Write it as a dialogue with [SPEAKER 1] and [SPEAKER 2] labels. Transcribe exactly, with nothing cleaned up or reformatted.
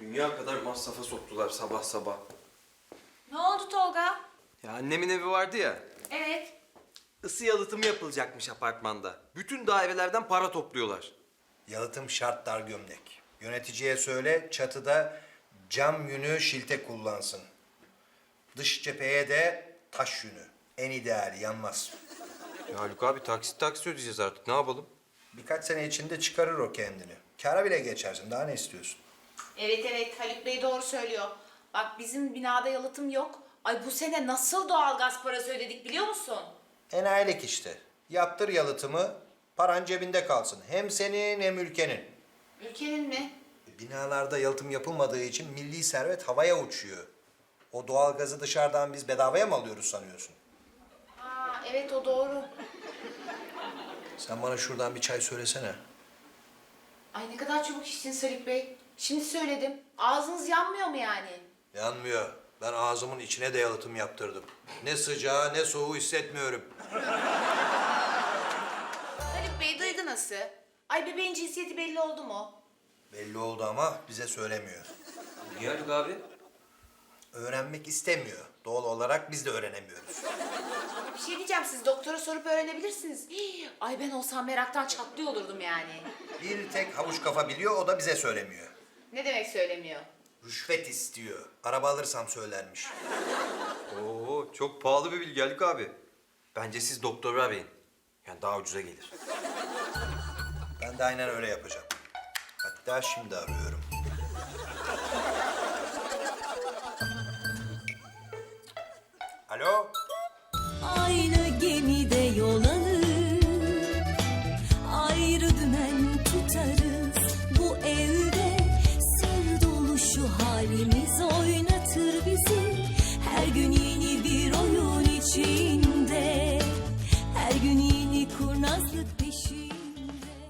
[SPEAKER 1] Dünya kadar masrafa soktular sabah sabah.
[SPEAKER 2] Ne oldu Tolga?
[SPEAKER 1] Ya annemin evi vardı ya.
[SPEAKER 2] Evet.
[SPEAKER 1] Isı yalıtımı yapılacakmış apartmanda. Bütün dairelerden para topluyorlar.
[SPEAKER 3] Yalıtım şart dar gömlek. Yöneticiye söyle çatıda cam yünü şilte kullansın. Dış cepheye de taş yünü. En ideali yanmaz.
[SPEAKER 1] Ya Haluk abi taksit taksit ödeyeceğiz artık ne yapalım?
[SPEAKER 3] Birkaç sene içinde çıkarır o kendini. Kâra bile geçersin. Daha ne istiyorsun?
[SPEAKER 2] Evet evet Haluk Bey doğru söylüyor. Bak bizim binada yalıtım yok. Ay bu sene nasıl doğalgaz parası ödedik biliyor musun?
[SPEAKER 3] Enayilik işte. Yaptır yalıtımı, paran cebinde kalsın. Hem senin hem ülkenin.
[SPEAKER 2] Ülkenin mi?
[SPEAKER 3] Binalarda yalıtım yapılmadığı için milli servet havaya uçuyor. O doğalgazı dışarıdan biz bedavaya mı alıyoruz sanıyorsun?
[SPEAKER 2] Aa evet o doğru.
[SPEAKER 3] Sen bana şuradan bir çay söylesene.
[SPEAKER 2] Ay ne kadar çabuk içtiniz Haluk Bey. Şimdi söyledim. Ağzınız yanmıyor mu yani?
[SPEAKER 3] Yanmıyor. Ben ağzımın içine de yalıtım yaptırdım. Ne sıcağı ne soğuğu hissetmiyorum.
[SPEAKER 2] Haluk Bey duygu nasıl? Ay bebeğin cinsiyeti belli oldu mu?
[SPEAKER 3] Belli oldu ama bize söylemiyor.
[SPEAKER 1] Niye Haluk abi?
[SPEAKER 3] Öğrenmek istemiyor. Doğal olarak biz de öğrenemiyoruz.
[SPEAKER 2] Bir şey diyeceğim siz doktora sorup öğrenebilirsiniz. Hii, ay ben olsam meraktan çatlıyor olurdum yani.
[SPEAKER 3] Bir tek havuç kafa biliyor, o da bize söylemiyor.
[SPEAKER 2] Ne demek söylemiyor?
[SPEAKER 3] Rüşvet istiyor. Araba alırsam söylermiş.
[SPEAKER 1] Oo çok pahalı bir bilgi Haluk abi. Bence siz doktoru arayın. Yani daha ucuza gelir.
[SPEAKER 3] Ben de aynen öyle yapacağım. Hatta şimdi arıyorum. Alo?
[SPEAKER 4] Aynı gemide yol alır, ayrı dümen tutarız. Bu evde sır dolu şu halimiz.